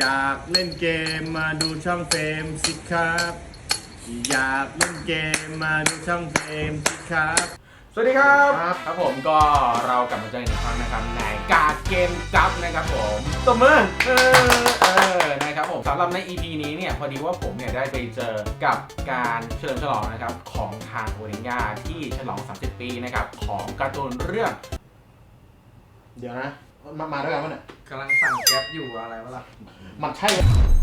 ากเล่นเกมมาดูช่องเฟรมสิครับอยากเล่นเกมมาดูช่องเฟรมสิครับสวัสดีครับครับผมก็เรากลับมาเจออีกครั้งนะครับในกาเกมจับนะครับผมตบมือนะครับผมสำหรับใน EP นี้เนี่ยพอดีว่าผมเนี่ยได้ไปเจอกับการเฉลิมฉลองนะครับของทางโอริญญาที่ฉลอง30 ปีนะครับของการ์ตูนเรื่องเดี๋ยวนะมาด้วยกันมั้ยเนี่ยกำลังสั่งแก๊ปอยู่อะไรวะล่ะมันใช่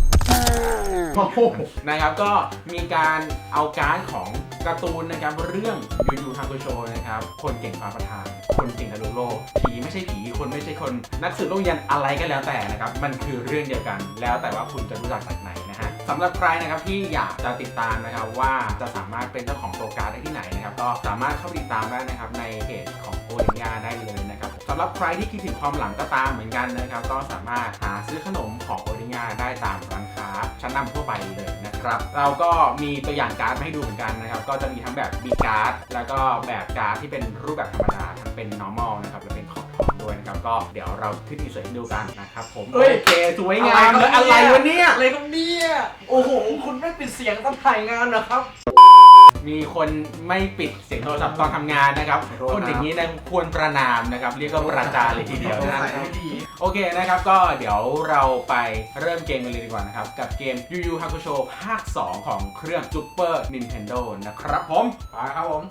นะครับก็มีการเอาการ์ดของการ์ตูนนะครับเรื่องยูยูฮาคุโชนะครับคนเก่งฟ้าประธานคนเก่งทะลุโลกผีไม่ใช่ผีคนไม่ใช่คนนักสืบโลกยันอะไรก็แล้วแต่นะครับมันคือเรื่องเดียวกันแล้วแต่ว่าคุณจะรู้จักจากไหนนะฮะสำหรับใครนะครับที่อยากจะติดตามนะครับว่าจะสามารถเป็นเจ้าของตัวการ์ดได้ที่ไหนนะครับก็สามารถเข้าติดตามได้นะครับในเพจของโอริญญาได้เลยนะครับสำหรับใครที่คิดถึงความหลังก็ตามเหมือนกันนะครับก็สามารถหาซื้อขนมของโอริญญาได้ตามร้านค้าชั้นนำทั่วไปเลยนะครับเราก็มีตัวอย่างการ์ดมาให้ดูเหมือนกันนะครับก็จะมีทั้งแบบบีการ์ดแล้วก็แบบการ์ดที่เป็นรูปแบบธรรมดาทั้งเป็น normal นะครับและเป็นขอบทองด้วยนะครับก็เดี๋ยวเราขึ้นอินเสิร์ตให้ดูกันนะครับผมโอเคสวยงามเลยอะไรวะเนี่ยอะไรกันเนี่ยโอ้โหคุณไม่ปิดเสียงตอนถ่ายงานนะครับมีคนไม่ปิดเสียงโทรศัพท์ตอนทำงานนะครับคนอย่างนี้นะควรประนามนะครับเรียกว่าประจานเลยทีเดียวนะโอเคนะครับก็เดี๋ยวเราไปเริ่มเกมกันเลยดีกว่านะครับกับเกม Yu Yu Hakusho ภาค 2 ของเครื่อง Super Nintendo นะครับผมไปครับผม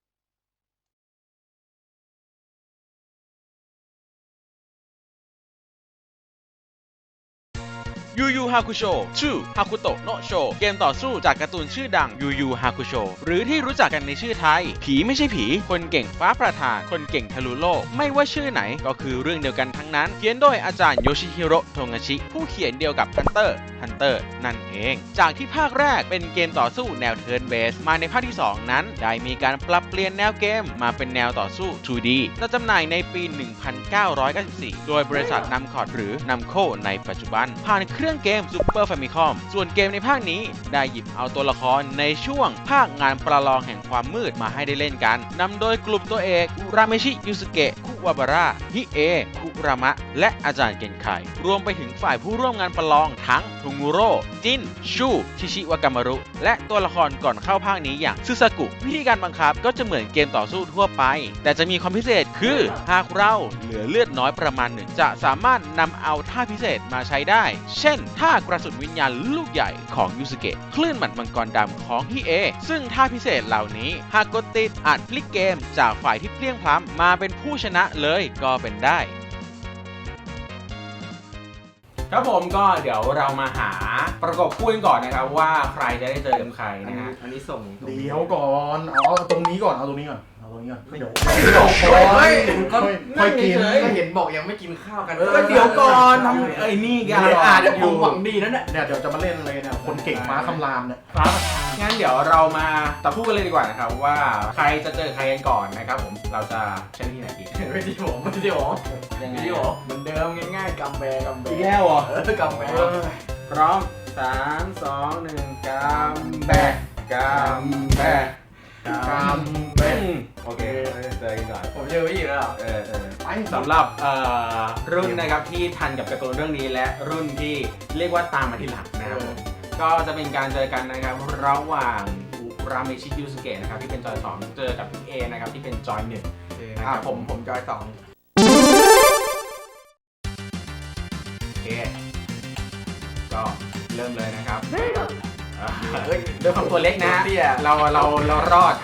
ยูยูฮาคุโชชื่อฮาคุโตะโนะโชเกมต่อสู้จากการ์ตูนชื่อดังยูยูฮาคุโชหรือที่รู้จักกันในชื่อไทยผีไม่ใช่ผีคนเก่งฟ้าประธานคนเก่งทะลุโลกไม่ว่าชื่อไหนก็คือเรื่องเดียวกันทั้งนั้นเขียนโดยอาจารย์โยชิฮิโร่โทงาชิผู้เขียนเดียวกับฮันเตอร์นั่นเองจากที่ภาคแรกเป็นเกมต่อสู้แนวเทิร์นเบสมาในภาคที่2นั้นได้มีการปรับเปลี่ยนแนวเกมมาเป็นแนวต่อสู้ 2D จะจำหน่ายในปี 1994 โดยบริษัทนัมคอร์ดหรือนัมโคในปัจจุบันผ่านเครื่องเกม Super Famicom ส่วนเกมในภาคนี้ได้หยิบเอาตัวละครในช่วงภาคงานประลองแห่งความมืดมาให้ได้เล่นกันนำโดยกลุ่มตัวเอกอุราเมชิยูสุเกะคุวาบาระฮิเอคุรามะและอาจารย์เกนไครวมไปถึงฝ่ายผู้ร่วมงานประลองทั้งทุงูโร่จินชูชิชิวากามารุและตัวละครก่อนเข้าภาคนี้อย่างซึซากุวิธีการบังคับก็จะเหมือนเกมต่อสู้ทั่วไปแต่จะมีความพิเศษคือหากเราเหลือเลือดน้อยประมาณหนึ่งจะสามารถนำเอาท่าพิเศษมาใช้ได้เช่นท่ากระสุนวิญญาณลูกใหญ่ของยูสุเกะคลื่นหมัดมังกรดำของฮิเอซึ่งท่าพิเศษเหล่านี้หากกดติดอาจพลิกเกมจากฝ่ายที่เพลียงพล้ำมาเป็นผู้ชนะเลยก็เป็นได้ครับผมก็เดี๋ยวเรามาหาประกบคู่กันก่อนนะครับว่าใครจะได้เจอกับใครนะฮะอันนี้ส่งเดี๋ยวก่อนเอาตรงนี้ก่อนเอาตรงนี้ก่อนเดี๋ยวค่อยกินก็เห็นบอกยังไม่กินข้าวกันก็เดี๋ยวก่อนทำนี่กันอาจจะผมหวังดีนั่นแหละเนี่ยเดี๋ยวจะมาเล่นอะไรเนี่ยคนเก่งฟ้าคำรามเนี่ยงั้นเดี๋ยวเรามาต่อคู่กันเลยดีกว่านะครับว่าใครจะเจอใครกันก่อนนะครับผมเราจะใช้ที่ไหนดีไม่ที่ผมยังไงเหมือนเดิมง่ายๆกำแบอีกแล้วเหรอกำแบพร้อม3 2 1กำแบโอเคเจอกันก่อนผมเจอพี่แล้วสำหรับรุ่นนะครับที่ทันกับการ์ตูนเรื่องนี้และรุ่นที่เรียกว่าตามมาทีหลังนะครับก็จะเป็นการเจอกันนะครับระหว่างอุราเมชิยูสุเกะนะครับที่เป็นจอย2เจอกับพี่เอนะครับที่เป็นจอย1 นะครับผมจอย2 โอเคก็เริ่มเลยนะครับด้วยความตัวเล็กนะเรารอด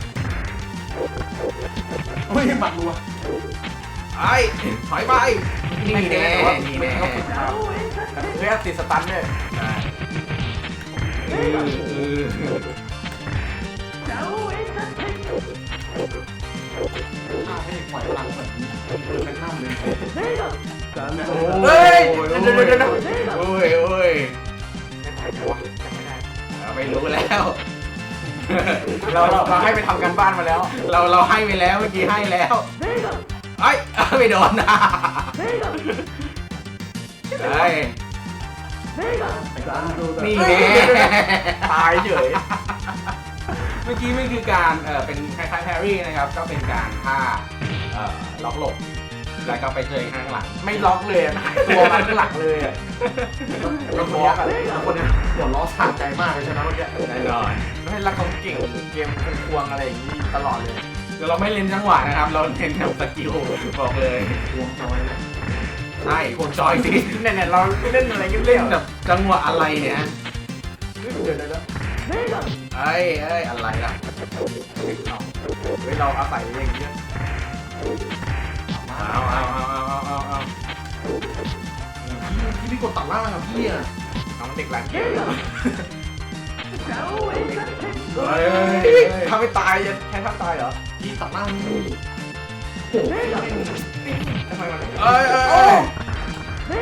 ไม่หมัดรัวถอยไปนี่แน่เรียกติดสตันเนี่ยปล่อยพลังเหมือนเป็นน้ำเลยเฮ้ยไม่รู้แล้วเราให้ไปทำกันบ้านมาแล้วเราให้ไปแล้วเมื่อกี้ให้แล้วไม่โดนนะนี่แน่ตายเฉยเมื่อกี้ไม่คือการเป็นคล้ายๆแพรี่นะครับก็เป็นการท่าล็อกหลบแล้วก็ไปเจอข้างหลังไม่ล็อกเลยอะหายตัวมาข้างหลังเลยอะแล้วคนเนี้ยแล้วคนเนี้ยหัวล้อสะใจมากเลยใช่ไหมเมื่อกี้แน่นอนไม่ให้รักเขาเก่งเกมควงอะไรอย่างนี้ตลอดเลยคือเราไม่เล่นจังหวะนะครับ เราเล่นแบบสกิลบอกเลยวงจอยเลยใช่ควงจอยสิเนี่ยเราเล่นอะไรกันเล่เล่นนแบบจังหวะอะไรเนี่ยเดี๋ยวเอ้ยอะไรล่ะเฮ้ยเราอาศัยอย่างเงี้ยเอาพี่กดตัดล่างอะพี่อะน้องเด็กร้านเกมเฮ้ยทำไม่ตายแค่ทำตายเหรอพี่ตัดล่างนี่ทำไมมันเอ้ย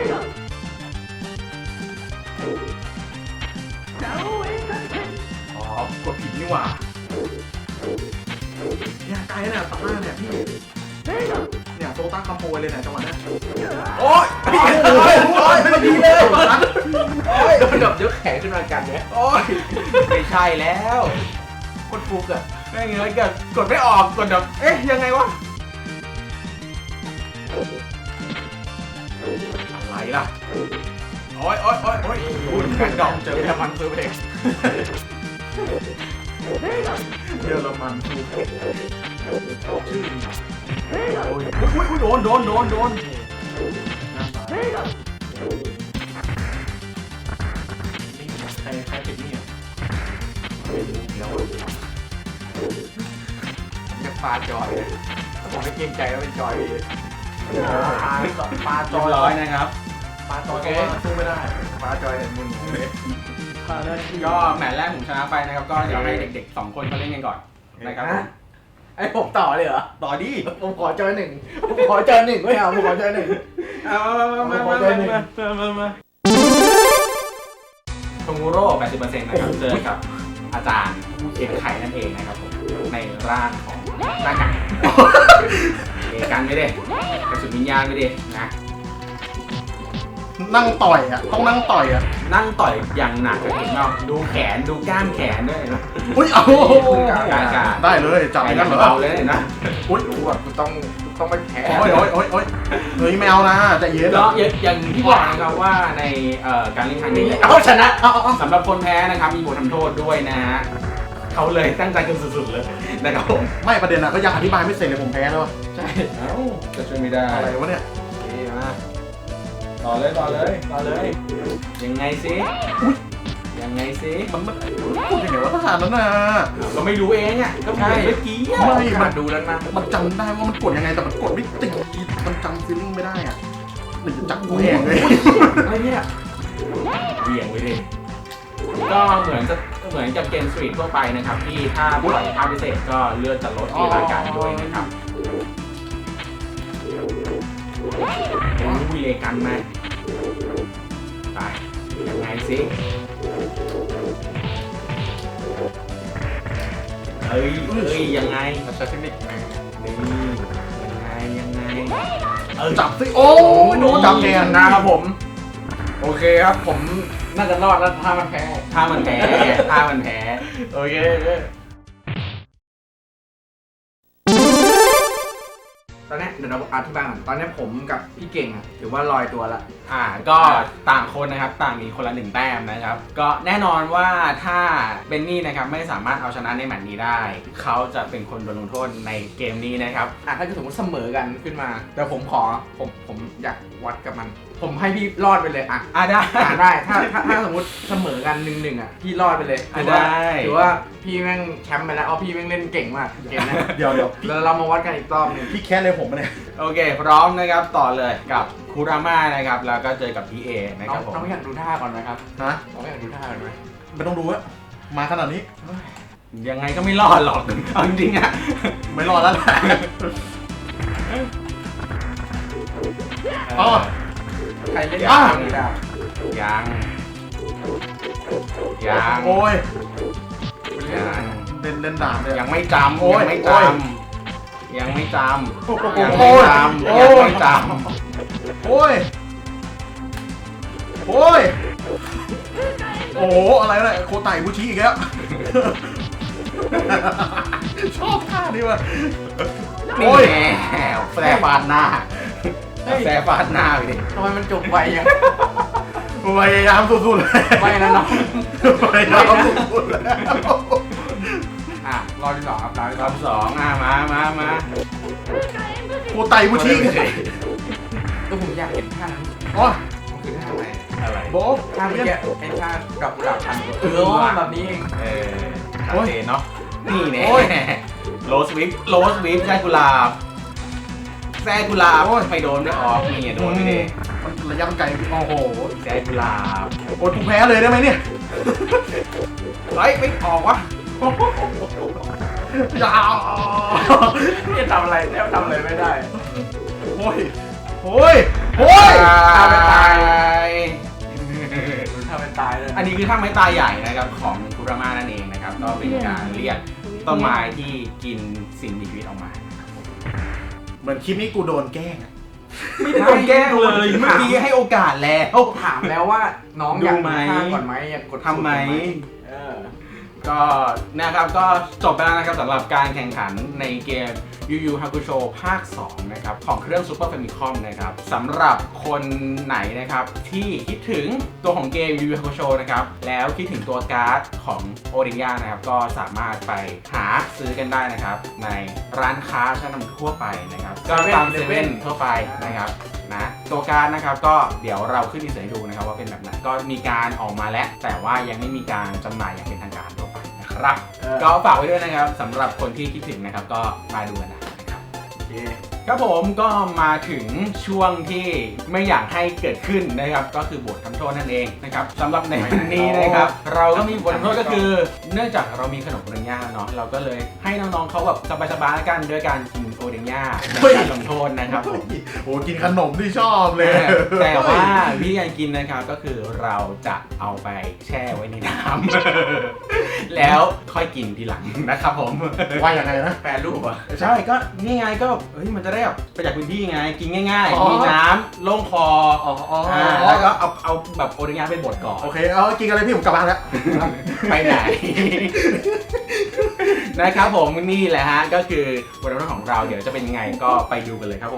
อ๋อกดผิดนี่หว่าเนี่ยไกลน่ะตัดล่างเนี่ยพี่เนี่ยโซต้าคอมโบเลยเนี่ยจังหวะเนี้ยโอ้ยไม่ดีเลยโดนแบบยกแขนขึ้นมากันเนี่ยโอ้ยไม่ใช่แล้วคนฟุกอะไม่เงี้ยกดไม่ออกกดแบบเอ๊ะยังไงวะอะไรล่ะโอ้ยคุณแพนดอมเจอเยอรมันซื้อเพลงเยอรมันคือชื่อดีโอ้ยโดนใครติดนี่อ่ะจะปาจอยผมไม่เกรงใจว่าเป็นจอยปลาจจออยยร้อยนะครับปลาจอยเพราะว่าสู้ไม่ได้ปาจอยเห็นมึงก็แมตช์แรกผมชนะไปนะครับก็เดี๋ยวให้เด็กๆ2คนเขาเล่นกันก่อนนะครับผมไอ้ผมต่อเลยเหรอต่อดิผมขอจอยหนึ่งผมขอจอยหนึ่งไม่เอาผมขอจอยหนึ่งเอามาโทมูโร่ 80% นะครับเจอกับอาจารย์เอกไข่นั่นเองนะครับผมในร่างของหน้ากากเอกันไม่ได้กระสุนวิญญาณไม่ได้นะนั่งต่อยอ่ะต้องนั่งต่อยอ่ะนั่งต่อยอย่างหนักเห็นไหมดูแขนดูกล้ามแขนด้วยเห็นไหมอุ้ยเอากาได้เลยจับไปไปกักัน นเหรอเบาเลยเห็นไหมอุ้ยรู้ว่ากูต้องไปแพ้โอ้ยเฮ้ยไม่เอานะใจเย็นก็อย่างที่บอกนะครับว่าในการเล่นครั้งนี้เอาชนะสำหรับคนแพ้นะครับมีบททำโทษด้วยนะฮะเขาเลยตั้งใจกันสุดๆเลยนะครับผมไม่ประเด็นอะก็ยังอธิบายไม่เสร็จเลยผมแพ้แล้วใช่เอ้าจะช่วยไม่ได้อะไรวะเนี่ยมาต่อเลยยังไงสิยังไงสิมันพูดยังไงวะทหารนั้นน่ะเราไม่รู้เองอ่ะก็เหมือนเมื่อกี้อะไม่มาดูแล้วนะมันจำได้ว่ามันกดยังไงแต่มันกดไม่ติดมันจำฟีลลิ่งไม่ได้อ่ะหนึ่งจับหัวแหงเลยอะไรเนี่ยเหวี่ยงไว้ดิก็เหมือนกับเกมสตรีททั่วไปนะครับที่ถ้าปล่อยภาพพิเศษก็เลือดจะลดทีละกันด้วยนะครับอุ้ยเลกันมาไปยังไงสิเอ้ยยังไงใช้เทคนิคไงนี่ยังไงจับสิโอ้ยโดนจับแทนนะครับผม โอเคครับผมน่าจะรอดแล้วถ้ามันแพ้ถ้ามันแพ้โอเคตอนนี้เดี๋ยวเราอธิบายก่อนตอนนี้ผมกับพี่เก่งอะถือว่าลอยตัวละก็ต่างคนนะครับต่างมีคนละ1 แต้มนะครับก็แน่นอนว่าถ้าเบนนี่นะครับไม่สามารถเอาชนะในแมตช์นี้ได้เขาจะเป็นคนโดนลงโทษในเกมนี้นะครับถ้าเกิดสมมติเสมอกันขึ้นมาแต่ผมอยากวัดกับมัน ผมให้พี่รอดไปเลยได้ได้ถ้าสมมติเสมอกัน1-1พี่รอดไปเลยถือว่าพี่แม่งแชมป์ไปแล้วพี่แม่งเล่นเก่งมากเกมนี้เดี๋ยวแล้วเรามาวัดกันอีกรอบนึงพี่แค้นเลยผมเนี่ยโอเคพร้อมนะครับต่อเลยกับคูราม่านะครับแล้วก็เจอกับพี่เอนะครับผมน้องอยากดูท่าก่อนไหมครับนะน้องอยากดูท่าก่อนไหมไม่ต้องดูอะมาขนาดนี้ยังไงก็ไม่รอดหรอกเอาจริงๆอ่ะไม่รอดแล้วแหละอ๋อใครเล่นอ่ะนี้ได้ยังโอ้ยยังเล่นดาบเลยยังไม่จำโอ้ยยังไม่จโอ้ยำยังไม่จำโอ้โหยังไม่จำยังไม่จโอ้ยโอ้ยโอ้โหอะไรเนี่ยโคไตบุชิอีกแล้วชอบท่านี้ว่ะนี่โอ้ยแหมแซ่ฟาดหน้าแซ่ฟาดหน้าไปดิทำไมมันจบไวยังพยายามสุดๆเลยไม่นะน้องพยายามสุดๆเลยอ่ะรอบที่ 2ครับรอบที่รอบสองมากูไต่กูชี้ก็ผมอยากเห็นท่านั้นอ๋อมันคือท่าไหนอะไรโบ๊ะท่าเมื่อกี้ไอ้ท่ากับกุหลาบพันแบบนี้เองโอเคเนาะนี่แน่โอ้ยโรสวิปใช่กุหลาบแซ่กุหลาบไม่โดนไม่ออกนี่โดนไม่ได้มันระยะมันไกลโอ้โหแซ่กุหลาบโอ้ยกูแพ้เลยได้ไหมเนี่ยเฮ้ยไม่ออกวะยาวนี่ทำอะไรแทบทำอะไรไม่ได้โอ้ยโอ้ยโอ้ยทำไปตาย ทำเป็นตายเลยอันนี้คือท่าไม้ตายใหญ่นะครับของคุรามานั่นเองนะครับ ก็เป็นการเรียกต้นไม้ที่กินสิ่งมีชีวิตออกมาเหมือนคลิปนี้กูโดนแกล้งอะไม่ได้โดนแกล้งเลยเมื่อกี้ให้โอกาสแล้วถามแล้วว่าน้องอยากดูไหมท่าก่อนไหมอยากกดทำไหมเออก็นะครับก็จบไปแล้วนะครับสำหรับการแข่งขันในเกม Yu Yu Hakusho ภาค 2 นะครับของเครื่อง Super Famicom นะครับสำหรับคนไหนนะครับที่คิดถึงตัวของเกม Yu Yu Hakusho นะครับแล้วคิดถึงตัวการ์ดของ Odinya นะครับก็สามารถไปหาซื้อกันได้นะครับในร้านค้าชั้นนำทั่วไปนะครับก็ตามเซเว่นทั่วไปนะครับนะตัวการ์ดนะครับก็เดี๋ยวเราขึ้นดีไซน์ให้ดูนะครับว่าเป็นแบบไหนก็มีการออกมาแล้วแต่ว่ายังไม่มีการจำหน่ายอย่างเป็นทางการทั่วไปนะครับ ก็ฝากไว้ด้วยนะครับสำหรับคนที่คิดถึงนะครับก็มาดูกันนะครับโอเคครับผมก็มาถึงช่วงที่ไม่อยากให้เกิดขึ้นนะครับก็คือบททำโทษนั่นเองนะครับสำหรับในวันนี้นะครับเราก็มีบททำโทษก็คือ เนื่องจากเรามีขนมโอเดนย่าเนาะเราก็เลยให้น้องๆเขาแบบสบายๆกันด้วยการกินโอเดนย่าในการลงโทษนะครับผมโอ้กินขนมที่ชอบเลยแต่ว่าวิธีการกินนะครับก็คือเราจะเอาไปแช่ไว้ในน้ำ แล้วค่อยกินทีหลังนะครับผมว่ายังไงนะแปรรูปอ่ะใช่ก็นี่ไงก็เฮ้ยมันจะได้แบบประหยัดพื้นที่ไงกินง่ายอ๋อๆมีน้ำโล่งคออ๋ออ๋อแล้วก็เอาแบบโอริงานไปบดก่อนโอเคเอากินกันเลยพี่ผมกลับบ้านแล้วไปไหน นะครับผมนี่แหละฮะก็คือบทลงโทษของเราเดี๋ยวจะเป็นยังไงก็ไปดูกันเลยครับผม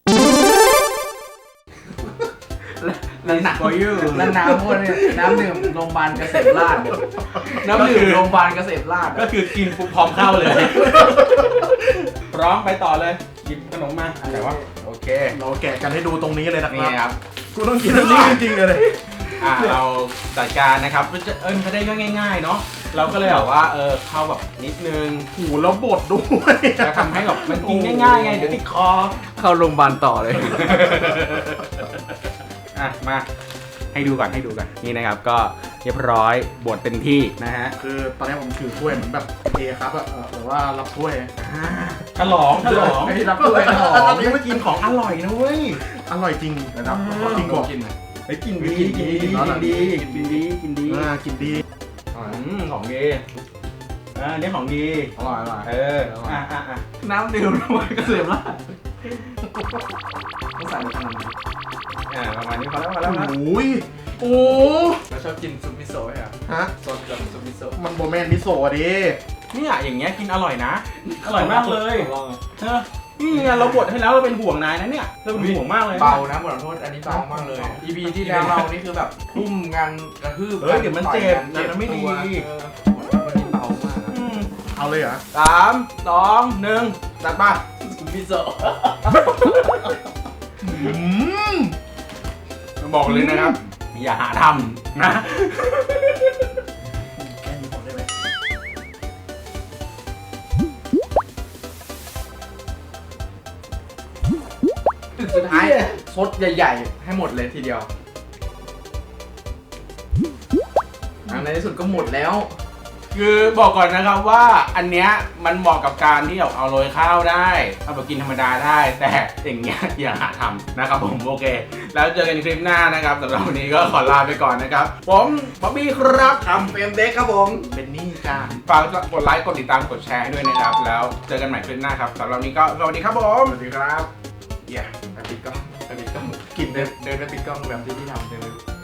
แล้วน้ำ for you แล้วน้ำพวกนี้น้ำดื่มโรงพยาบาลเกษตรราษฎร์น้ำดื่มโรงพยาบาลเกษตรราษฎร์ก็คือกินปุ๊บพร้อมเข้าเลย พร้อมไปต่อเลยหยิบขนมมาแต่ว่าโอเคเราแกะกันให้ดูตรงนี้เลยนะคนี่รับครับกูต้องกินอันนี้จริงๆเลยเราจัดการนะครับมันจะได้ง่ายๆเนาะเราก็เลยแบบว่าเข้าแบบนิดนึงโอ้โหแล้วบดด้วยจะทำให้แบบมันกินง่ายๆไงเดี๋ยวติดคอเข้าโรงพยาบาลต่อเลยอ่ะมาให้ดูก่อนนี่นะครับก็เรียบร้อยบดเต็มที่นะฮะคือตอนนี้ผมถือถ้วยเหมือนแบบเอครับอะหรือว่ารับถ้วยฉลองไม่ได้รับด้วยนะอันนี้มากินของอร่อยนะเว้ยอร่อยจริงนะครับจริงกว่ากินไหมเฮ้ยกินดีกินดีกินดีกินดีกินดีกินดีของดีอันนี้ของดีอร่อยอร่อยอ่ะน้ำดื่มโรงพยาบาลเกษตรราษฎร์ต้องใส่ในขนมประมาณนี้พอแล้วโอ้ยโอ้เราชอบกินซุปมิโซะอ่ะฮะซอสแบบซุปมิโซะมันโบแมนมิโซะดิเนี่ยอย่างเงี้ยกินอร่อยนะ อร่อยมากเลยลองนี่ไงเราบดให้แล้วเราเป็นห่วงนายนะเนี่ยเราเป็นห่วงมากเลยเบานะบทลงโทษอันนี้เบามากเลย EP ที่แล้วเรานี่คือแบบทุ่มงานกระทืบเฮ้ยเดี๋ยวมันเจ็บต่อยกัมันไม่ดีวันนี้เบามากเอาเลยเหรอ 3 2 1จัดป่ะซุปมิโซะบอกเลยนะครับ อย่าหาทำนะแค่นี้ผมได้ไหมสุดท้ายซดใหญ่ๆ ให้หมดเลยทีเดียวในที่สุดก็หมดแล้วคือบอกก่อนนะครับว่าอันเนี้ยมันเหมาะกับการที่แบบเอาโรยข้าวได้เอาแบบกินธรรมดาได้ แต่อย่างเงี้ยอย่าหาทำนะครับผมโอเค แล้วเจอกันคลิปหน้านะครับสำหรับวันนี้ก็ขอลาไปก่อนนะครับผมบ๊อบบี้ครับทำเฟรมเด็กครับผมเป็นนี่จ้าฝากกดไลค์กดติดตามกดแชร์ให้ด้วยนะครับ แล้วเจอกันใหม่คลิปหน้าครับสำหรับวันนี้ก็สวัสดีครับผมสวัสดีครับไปปิดกล้องกินเดินไปปิดกล้องแบบที่พี่ทำเดินไป